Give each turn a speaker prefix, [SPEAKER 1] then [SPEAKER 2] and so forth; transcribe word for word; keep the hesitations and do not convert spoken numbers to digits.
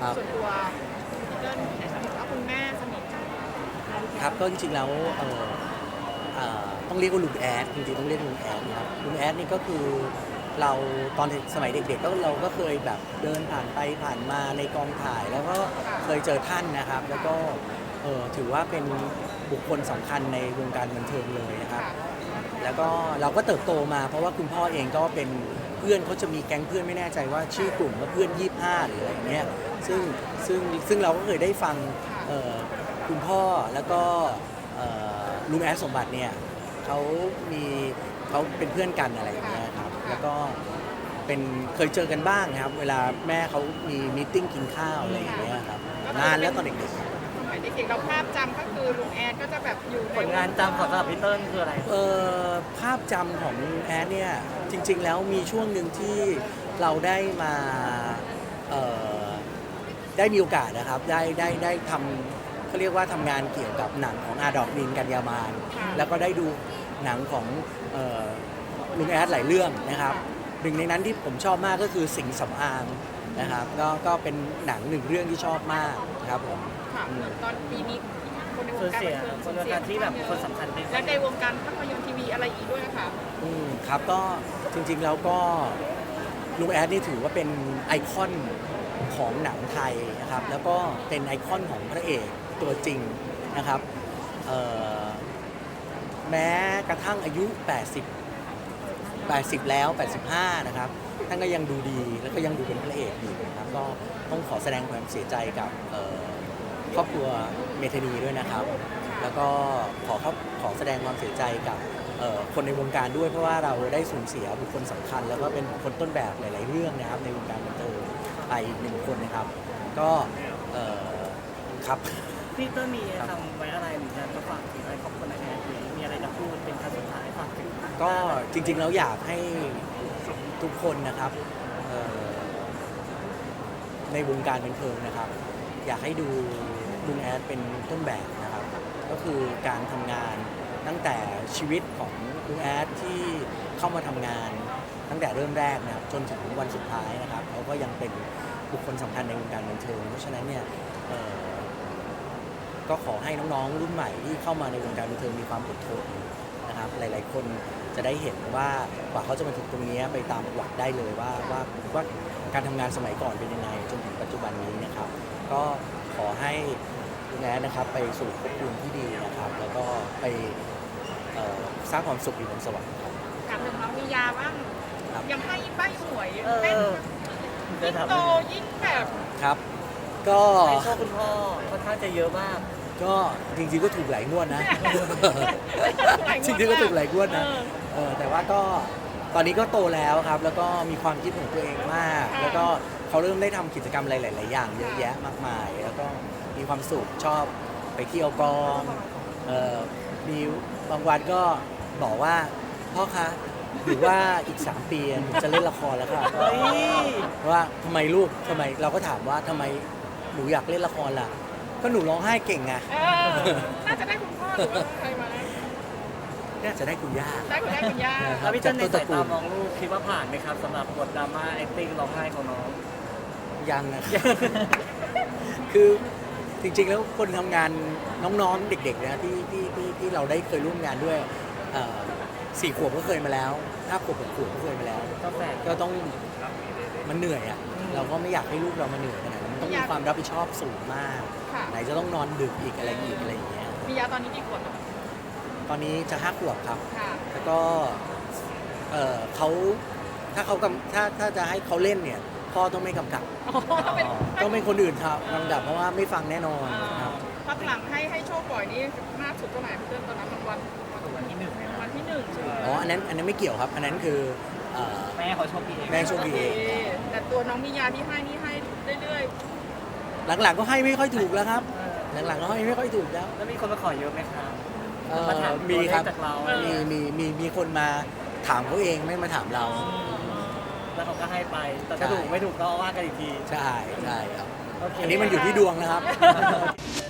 [SPEAKER 1] ส่วนตัวพี่เติ้ลเห็นว่าคุณแม่สนิทกัน
[SPEAKER 2] ครับก็จริงๆแล้วเอ่อเอ่อต้องเรียกว่าลุงแอดจริงๆต้องเรียกลุงแอดนะครับลุงแอดนี่ก็คือเราตอนสมัยเด็กๆก็เราก็เคยแบบเดินผ่านไปผ่านมาในกองถ่าย แล้วก็เคยเจอท่านนะครับ แล้วก็เอ่อถือว่าเป็นบุคคลสำคัญในวงการบันเทิงเลยนะครับ แล้วก็เราก็เติบโตมาเพราะว่าคุณพ่อเองก็เป็นเพื่อนเขาจะมีแก๊งเพื่อนไม่แน่ใจว่าชื่อกลุ่มว่าเพื่อนยี่สิบห้าหรืออะไรอย่างเงี้ยซึ่งซึ่งซึ่งเราก็เคยได้ฟังเอ่อคุณพ่อแล้วก็เอ่อลุงแอดสมบัติเนี่ยเขามีเขาเป็นเพื่อนกันอะไรอย่างเงี้ยครับแล้วก็เป็นเคยเจอกันบ้างครับเวลาแม่เขามีมีตติ้งกินข้าวอะไรอย่างเงี้ยครับนานแล้วตอนเด็กๆ
[SPEAKER 1] สมัยเด็กๆเราภาพจำก็คือลุงแอดก็จะแบบอยู่ใน
[SPEAKER 3] ผลงานจำของสำหรับพี่เติ้ลคืออะไร
[SPEAKER 2] เอ่อภาพจำของแอดเนี่ยจริงๆแล้วมีช่วงหนึ่งที่เราได้มาเอ่อได้มีโอกาสนะครับได้ได้ได้ทำเขาเรียกว่าทำงานเกี่ยวกับหนังของอาดอกนินกัญญามานแล้วก็ได้ดูหนังของเอ่อลุงแอดหลายเรื่องนะครับหนึ่งในนั้นที่ผมชอบมากก็คือสิงห์สำอางนะครับก็ก็เป็นหนังหนึ่งเรื่องที่ชอบมากครับผม
[SPEAKER 1] ค่ะเหมือนตอนปีนี้คนในว
[SPEAKER 3] สู
[SPEAKER 1] ง
[SPEAKER 3] ญ
[SPEAKER 1] การ
[SPEAKER 3] เสีย
[SPEAKER 1] บันเทิง
[SPEAKER 3] คนในวงการที่แบบคนสำคัญไป
[SPEAKER 1] และในวงการภาพยนตร์ทีวีอะไรอีกด้วยค่ะ
[SPEAKER 2] อืมครับก็จริงๆแล้วก็ลุงแอดนี่ถือว่าเป็นไอคอนของหนังไทยนะครับแล้วก็เป็นไอคอนของพระเอกตัวจริงนะครับเอ่อแม้กระทั่งอายุ แปดสิบ แปดสิบ แล้ว แปดสิบห้า นะครับท่านก็ยังดูดีแล้วก็ยังดูเป็นพระเอกอยู่นะครับก็ต้องขอแสดงความเสียใจกับเอ่อครอบครัวเมธานีด้วยนะครับ แล้วก็ขอขอขอแสดงความเสียใจกับเอ่อคนในวงการด้วยเพราะว่าเราได้สูญเสียบุคคลสำคัญ แล้วก็เป็นบุคคลต้นแบบหลาย ๆ เรื่องนะครับในวงการบันเทิงไปอีกหนึ่งคนนะครับ ก็เอ่อครับ
[SPEAKER 3] พี่เติ้ลมีทำไว้อะไรหรือจะฝากถึงอะไรของคนไหนไหมหรือมีอะไรจะพูดเป็นคำสุดท้ายฝากถึง
[SPEAKER 2] ก็จริง ๆ แล้วอยากให้ทุกคนนะครับเอ่อในวงการบันเทิงนะครับ อยากให้ดูลุงแอดเป็นต้นแบบนะครับ ก็คือการทำงานตั้งแต่ชีวิตของลุงแอดที่เข้ามาทำงานตั้งแต่เริ่มแรกนะครับจนถึงวันสุดท้ายนะครับเขาก็ยังเป็นบุคคลสำคัญในวงการบันเทิงเพราะฉะนั้นเนี่ยเอ่อก็ขอให้น้องๆรุ่นใหม่ที่เข้ามาในวงการบันเทิงมีความอดทนนะครับหลาย ๆ คนจะได้เห็นว่ากว่าเขาจะมาถึงตรงนี้ไปตามประวัติได้เลยว่าว่าว่าการทำงานสมัยก่อนเป็นยังไงจนถึงปัจจุบันนี้นะครับ ก็ขอให้ลุงแอดนะครับไปสู่ภพภูมิที่ดีนะครับ แล้วก็ไปเอ่อสร้างความสุขอยู่บนสวรรค์ครับ
[SPEAKER 1] ถามถึงน้องมียาบ้าง
[SPEAKER 2] ครับ
[SPEAKER 1] ยังให้ใบ้หวย
[SPEAKER 3] เอ
[SPEAKER 1] เต้น
[SPEAKER 3] อ
[SPEAKER 1] ยิ่งโตยิ่งแบบ
[SPEAKER 2] ครับ ก็
[SPEAKER 3] ให้โชคคุณพ่อค่อนข้างจะเยอะมาก
[SPEAKER 2] ก็จริงๆก็ถูกหลายงวดนะ จริงๆก็ถูกหลายงวดนะ
[SPEAKER 1] เออ
[SPEAKER 2] เออแต่ว่าก็ตอนนี้ก็โตแล้วครับ แล้วก็มีความคิดของตัวเองมาก
[SPEAKER 1] ค่ะ
[SPEAKER 2] แล้วก็เขาเริ่มได้ทำกิจกรรมอะไรหลาย ๆ อย่างเยอะแยะมากมาย แล้วก็มีความสุขชอบไปเที่ยวกองเออมีบางวันก็บอกว่าพ่อคะหรือว่าอีกสามปีหนูจะเล่นละครแล้วค่ะ
[SPEAKER 3] เฮ้ย
[SPEAKER 2] ว่าทำไมลูกทำไมเราก็ถามว่าทำไมหนูอยากเล่นละครล่ะ ก็หนูร้องไห้เก่งไง
[SPEAKER 1] เออน่าจะได้คุณพ่อหรือว่าใครมาได้
[SPEAKER 2] น่าจะได้คุณย่า
[SPEAKER 1] ได้คุณได้คุณย่า
[SPEAKER 3] แล้วพี่เติ้ลในสายตามองลูกคิดว่าผ่านไหมครับสำหรับบทดราม่า acting ร้องไห้ของน้อง
[SPEAKER 2] ยังนะ คือจริงๆแล้วคนทำงานน้องๆเด็กๆนะที่ที่ที่ที่เราได้เคยร่วมงานด้วยเอ่อสี่ขวบก็เคยมาแล้วห้าขวบหกขวบก็เคยมาแล้ว
[SPEAKER 3] ก็แฝด
[SPEAKER 2] ก็ต้องมันเหนื่อยอ่ะ
[SPEAKER 3] อืม
[SPEAKER 2] เราก็ไม่อยากให้ลูกเรามาเหนื่อยขนาดนั้นมันต้องมีความรับผิดชอบสูงมาก
[SPEAKER 1] ค่ะ
[SPEAKER 2] ไหนจะต้องนอนดึกอีกอะไรอีกอะไรอย่างเงี้ย
[SPEAKER 1] มียาตอนนี้กี่ขวดแล้ว
[SPEAKER 2] ตอนนี้จะห้าขวบครับ
[SPEAKER 1] ค่ะ
[SPEAKER 2] แล้วก็เอ่อเขาถ้าเขากำถ้าถ้าจะให้เขาเล่นเนี่ยพ่อต้องไม่กำกับ
[SPEAKER 1] อ๋อต้องเป็น
[SPEAKER 2] ต้องเป็นคนอื่นครับกำกับเพราะว่าไม่ฟังแน่นอนครับ
[SPEAKER 1] พักหลังให้ให้โชคบ่อยนี่มากสุดเท่าไหร่พี่เติ้ลตอนนั้นมันวันวันที่หนึ่งวันที่หนึ่งใช่ไหม
[SPEAKER 2] อ๋ออันนั้นอันนั้นไม่เกี่ยวครับ อันนั้นคือเอ่อ
[SPEAKER 3] แม่เขาโชคดีเอง
[SPEAKER 2] แม่โชคดีเอง
[SPEAKER 1] แต่ตัวน้องมียาที่ให้นี่ให้เรื่อย
[SPEAKER 2] หลังๆก็ให้ไม่ค่อยถูกแล้วครับ หลังๆก็ให้ไม่ค่อยถูกแล้ว
[SPEAKER 3] แล้วมีคนมาขอเยอะไหมครับ
[SPEAKER 2] เอ่อ
[SPEAKER 3] มาถาม
[SPEAKER 2] มีครับ
[SPEAKER 3] ตัวเลขจากเรา
[SPEAKER 2] มีมีมีมีคนมาถามเขาเองไม่มาถามเรา
[SPEAKER 3] แล้วเขาก็ให้ไป แต่
[SPEAKER 2] ใช่
[SPEAKER 3] ถ้าถูกไม่ถูกก็ว่ากันอีกที
[SPEAKER 2] ใช่ใช่ครับ
[SPEAKER 3] โอเค
[SPEAKER 2] อันนี้มันอยู่ที่ดวงนะครับ